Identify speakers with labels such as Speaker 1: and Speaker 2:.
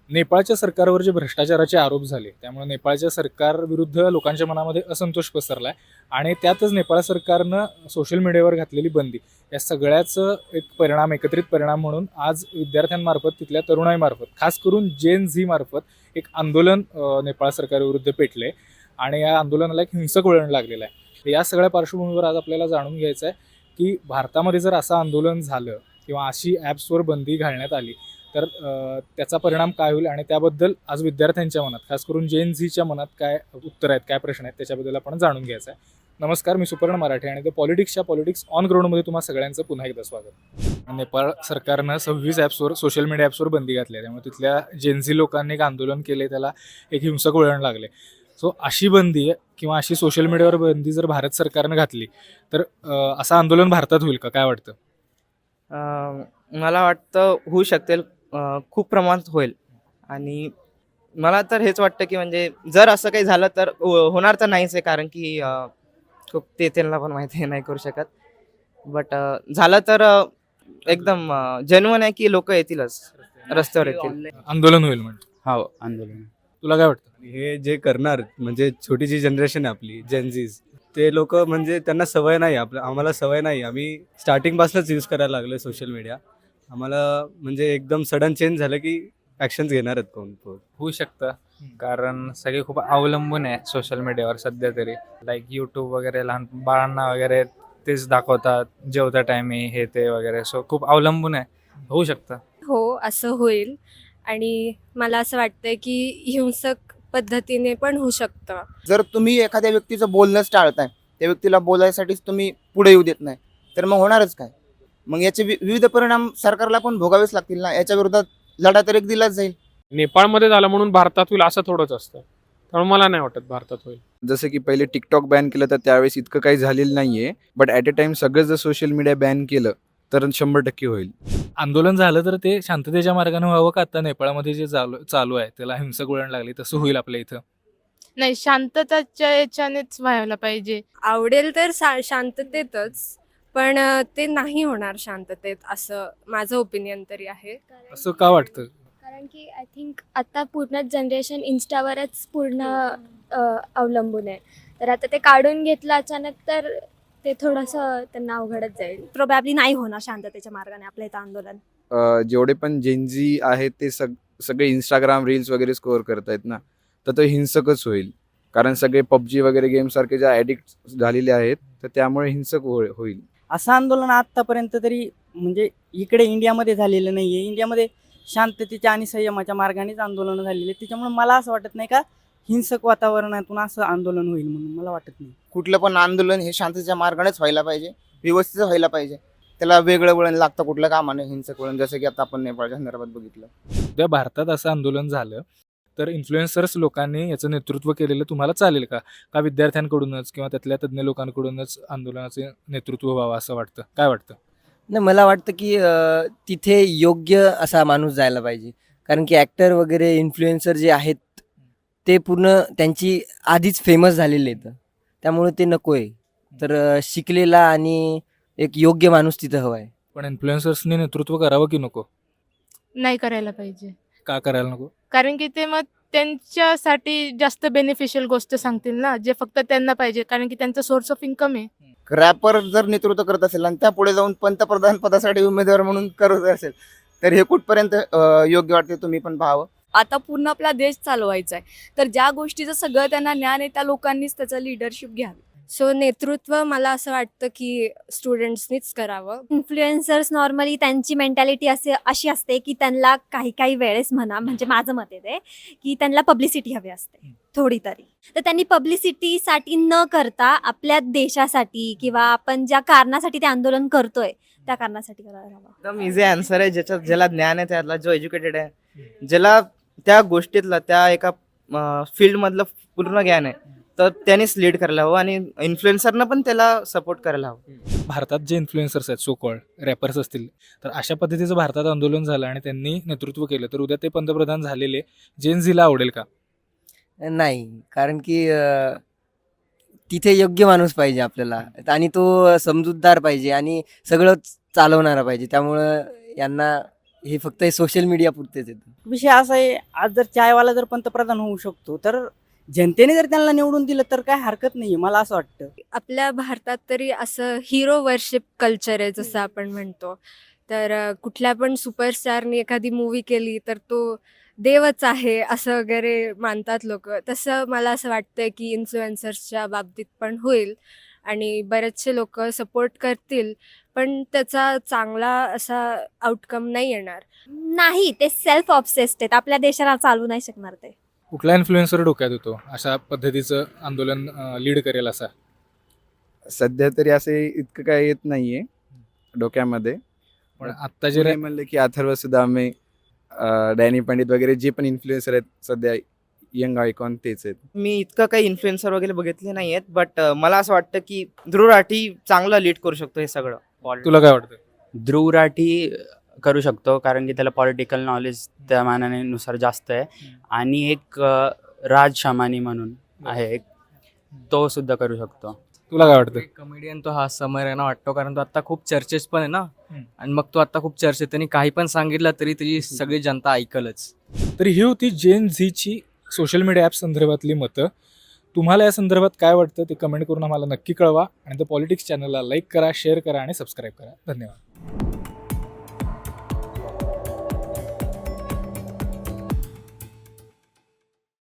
Speaker 1: नेपाळच्या सरकारवर जे भ्रष्टाचाराचे आरोप झाले त्यामुळे नेपाळच्या सरकारविरुद्ध लोकांच्या मनामध्ये असंतोष पसरला आहे आणि त्यातच नेपाळ सरकारनं सोशल मीडियावर घातलेली बंदी या सगळ्याचं एक परिणाम, एकत्रित परिणाम म्हणून आज विद्यार्थ्यांमार्फत, तिथल्या तरुणाईमार्फत, खास करून जेन झी मार्फत एक आंदोलन नेपाळ सरकारविरुद्ध पेटले आणि या आंदोलनाला एक हिंसक वळण लागलेलं आहे. या सगळ्या पार्श्वभूमीवर आज आपल्याला जाणून घ्यायचं आहे की भारतामध्ये जर असं आंदोलन झालं किंवा अशी ॲप्सवर बंदी घालण्यात आली तर त्याचा परिणाम काय होईल आणि त्याबद्दल आज विद्यार्थ्यांच्या मनात, खास करून जेन झीच्या मनात काय उत्तर आहेत, काय प्रश्न आहेत, त्याच्याबद्दल आपण जाणून घ्यायचं आहे. नमस्कार, मी सुपर्ण मराठे आणि पॉलिटिक्स ऑन ग्राउंडमध्ये तुम्हा सगळ्यांचं पुन्हा एकदा स्वागत. नेपाळ सरकारनं 26 ॲप्सवर, सोशल मीडिया ॲप्सवर बंदी घातली आहे. त्यामुळे तिथल्या जेन झी लोकांनी एक आंदोलन केले, त्याला एक हिंसक वळण लागले. सो अशी बंदी किंवा अशी सोशल मीडियावर बंदी जर भारत सरकारनं घातली तर असं आंदोलन भारतात होईल का, काय वाटतं?
Speaker 2: मला वाटतं होऊ शकते, खूप प्रमाणात होईल. आणि मला तर हेच वाटतं की म्हणजे जर असं काही झालं तर होणार तर नाहीच आहे, कारण की खूप ते त्यांना पण माहिती नाही करू शकत. बट झालं तर एकदम जेन्युइन आहे की लोक येतीलच, रस्त्यावर येतील.
Speaker 1: आंदोलन होईल म्हणजे
Speaker 3: हो, आंदोलन.
Speaker 1: तुला काय वाटतं?
Speaker 4: हे जे करणार म्हणजे छोटी जी जनरेशन आहे आपली जेनझीज, ते लोक म्हणजे त्यांना सवय नाही, आम्हाला सवय नाही. आम्ही स्टार्टिंगपासूनच यूज करायला लागलो सोशल मीडिया. आम्हाला म्हणजे एकदम सडन चेंज झालं की ॲक्शन्स घेणार आहेत कोण.
Speaker 3: होऊ शकतं, कारण सगळे खूप अवलंबून आहे सोशल मीडियावर सध्या तरी. लाईक यूट्यूब वगैरे लहान बाळांना वगैरे तेच दाखवतात, जेवता टायमी हे ते वगैरे. सो खूप अवलंबून आहे, होऊ शकतं.
Speaker 5: हो, असं होईल आणि मला असं वाटतंय की हिंसक पद्धतीने पण होऊ शकतं.
Speaker 6: जर तुम्ही एखाद्या व्यक्तीचं बोलणंच टाळताय, त्या व्यक्तीला बोलायसाठीच तुम्ही पुढे येऊ देत नाही, तर मग होणारच काय? मग याचे विविध परिणाम सरकारला पण भोगावेच लागतील ना. याच्या विरोधात लढा तर एक दिलाच जाईल.
Speaker 7: नेपाळमध्ये झालं म्हणून भारतात होईल असं थोडंच असतं, त्यामुळे मला नाही वाटत भारतात होईल.
Speaker 8: जसं की पहिले टिकटॉक बॅन केलं तर त्यावेळेस इतकं काही झालेलं नाहीये, बट ॲट अ टाइम सगळं जर सोशल मीडिया बॅन केलं तर 100% होईल.
Speaker 1: आंदोलन झालं तर ते शांततेच्या मार्गाने व्हावं का आता नेपाळमध्ये जे चालू आहे त्याला हिंसक वळण लागली तसं होईल आपल्या इथं?
Speaker 9: नाही, शांतताच्या याच्यानेच व्हायला पाहिजे.
Speaker 5: आवडेल तर शांततेतच, पण ते नाही होणार शांततेत, असं माझं ओपिनियन तरी आहे.
Speaker 1: असं का वाटतं?
Speaker 10: कारण की आय थिंक आता पूर्ण जनरेशन इन्स्टावरच पूर्ण अवलंबून आहे. तर आता ते काढून घेतलं अचानक तर ते थोडंसं त्यांना अवघडच जाईल.
Speaker 11: प्रोबॅबली नाही होणार शांततेच्या मार्गाने आपल्या इथं आंदोलन.
Speaker 8: जेवढे पण जेनझी आहेत ते सगळे इंस्टाग्राम रील्स वगैरे स्कोअर करतायत ना, तर तो हिंसकच होईल. कारण सगळे पबजी वगैरे गेम सारखे ज्या ॲडिक्ट झालेले आहेत, तर त्यामुळे हिंसक होईल.
Speaker 2: असं आंदोलन आत्तापर्यंत तरी म्हणजे इकडे इंडियामध्ये झालेलं नाही आहे. इंडियामध्ये शांततेच्या आणि संयमाच्या मार्गानेच आंदोलनं झालेली आहेत. त्याच्यामुळे मला असं वाटत नाही का हिंसक वातावरणातून असं आंदोलन होईल म्हणून मला वाटत नाही.
Speaker 6: कुठलं पण आंदोलन हे शांततेच्या मार्गानेच व्हायला पाहिजे, व्यवस्थित व्हायला पाहिजे. त्याला वेगळं वळण लागतं कुठलं कामाने, हिंसक वळण, जसं की आता आपण नेपाळच्या संदर्भात बघितलं.
Speaker 1: उद्या भारतात असं आंदोलन झालं तर इन्फ्लुएन्सर्स लोकांनी याचं नेतृत्व केलेलं तुम्हाला चालेल का? का विद्यार्थ्यांकडूनच किंवा त्यातल्या तज्ज्ञ लोकांकडूनच आंदोलनाचे नेतृत्व व्हावं असं वाटतं? काय वाटतं?
Speaker 2: नाही, मला वाटतं की तिथे योग्य असा माणूस जायला पाहिजे. कारण की ॲक्टर वगैरे इन्फ्लुएन्सर जे आहेत ते पूर्ण त्यांची आधीच फेमस झालेले आहेत, त्यामुळे ते नको आहे. तर शिकलेला आणि एक योग्य माणूस तिथं हवा आहे.
Speaker 1: पण इन्फ्लुएन्सर्सनी नेतृत्व करावं की नको?
Speaker 9: नाही करायला पाहिजे,
Speaker 1: का करायला नको?
Speaker 9: कारण की ते मग त्यांच्यासाठी जास्त बेनिफिशियल गोष्ट सांगतील ना, जे फक्त त्यांना पाहिजे, कारण की त्यांचा सोर्स ऑफ इन्कम आहे.
Speaker 6: रॅपर जर नेतृत्व करत असेल आणि त्या पुढे जाऊन पंतप्रधान पदासाठी उमेदवार म्हणून करत असेल तर हे कुठपर्यंत योग्य वाटते, तुम्ही पण पाहावं.
Speaker 11: आता पूर्ण आपला देश चालवायचा आहे, तर ज्या गोष्टीचं सगळं त्यांना ज्ञान आहे त्या लोकांनीच त्याचं लिडरशिप घ्यावी.
Speaker 5: सो नेतृत्व मला असं वाटतं की स्टुडंट्सनीच करावं.
Speaker 10: इन्फ्लुएन्सर्स नॉर्मली त्यांची मेंटॅलिटी अशी असते की त्यांना काही काही वेळेस म्हणा, म्हणजे माझं मत आहे ते की त्यांना पब्लिसिटी हवी असते थोडी तरी. तर त्यांनी पब्लिसिटीसाठी न करता आपल्या देशासाठी किंवा आपण ज्या कारणासाठी ते आंदोलन करतोय त्या कारणासाठी करायला हवं.
Speaker 2: एकदम इझी आन्सर आहे. ज्याला ज्ञान आहे, त्याला जो एज्युकेटेड आहे, ज्याला त्या गोष्टीतलं त्या एका फील्डमधलं पूर्ण ज्ञान आहे, तर त्यानेच लीड करायला हवं आणि इन्फ्लुएन्सरनं पण त्याला सपोर्ट करायला हवं.
Speaker 1: भारतात जे इन्फ्लुएन्सर्स आहेत, सो कॉल्ड रॅपर्स असतील, तर अशा पद्धतीचं भारतात आंदोलन झालं आणि त्यांनी नेतृत्व केलं तर उद्या ते पंतप्रधान झालेले जेन झीला आवडेल का?
Speaker 2: नाही, कारण की तिथे योग्य माणूस पाहिजे आपल्याला आणि तो समजूतदार पाहिजे आणि सगळं चालवणारा पाहिजे. त्यामुळं यांना
Speaker 12: हे फक्त सोशल मीडिया पुरतेच येतं.
Speaker 13: विषय असा आहे, आज जर चायवाला जर पंतप्रधान होऊ शकतो तर जनतेने जर त्यांना निवडून दिलं तर काय हरकत नाही मला असं वाटतं.
Speaker 5: आपल्या भारतात तरी असं हिरो वर्शिप कल्चर आहे जसं आपण म्हणतो. तर कुठल्या पण सुपरस्टारनी एखादी मूवी केली तर तो देवच आहे असं वगैरे मानतात लोक. तसं मला असं वाटतंय की इन्फ्लुएन्सर्सच्या बाबतीत पण होईल आणि बरेचसे लोक सपोर्ट करतील, पण त्याचा चांगला असा आउटकम नाही येणार.
Speaker 10: नाही, ते सेल्फ ऑब्सेस्ड आहेत, आपल्या देशाला चालू नाही शकणार ते.
Speaker 1: कुठला इन्फ्लुएन्सर डोक्यात होतो अशा पद्धतीचं आंदोलन लीड करेल असा?
Speaker 8: सध्या तरी असे इतकं काय येत नाहीये डोक्यामध्ये.
Speaker 1: पण आत्ता जे
Speaker 8: पुणे म्हणलं की अथर्व सुदामे, डॅनी पंडित वगैरे जे पण इन्फ्लुएन्सर आहेत सध्या यंग आयकॉन तेच आहेत.
Speaker 2: मी इतकं काही इन्फ्लुएन्सर वगैरे बघितले नाही आहेत, बट मला असं वाटतं की ध्रुव राठी चांगलं लीड करू शकतो हे सगळं.
Speaker 1: तुला काय वाटतं?
Speaker 14: ध्रुव राठी करू शकतो कारण की त्याला पॉलिटिकल नॉलेज त्या मानाने नुसार जास्त आहे. आणि एक राज शमानी म्हणून आहे एक, तो सुद्धा करू शकतो.
Speaker 1: तुला काय वाटतं?
Speaker 12: कमेडियन तो हा समर आहे ना वाटतो, कारण तो आता खूप चर्चेस पण आहे ना, आणि मग तो आता खूप चर्चेत, त्यांनी काही पण सांगितलं तरी त्याची सगळी जनता ऐकलच.
Speaker 1: तर ही होती जेन झीची सोशल मीडिया ॲप संदर्भातली मतं. तुम्हाला या संदर्भात काय वाटतं ते कमेंट करून आम्हाला नक्की कळवा. आणि द पॉलिटिक्स चॅनलला लाईक करा, शेअर करा आणि सबस्क्राईब करा. धन्यवाद.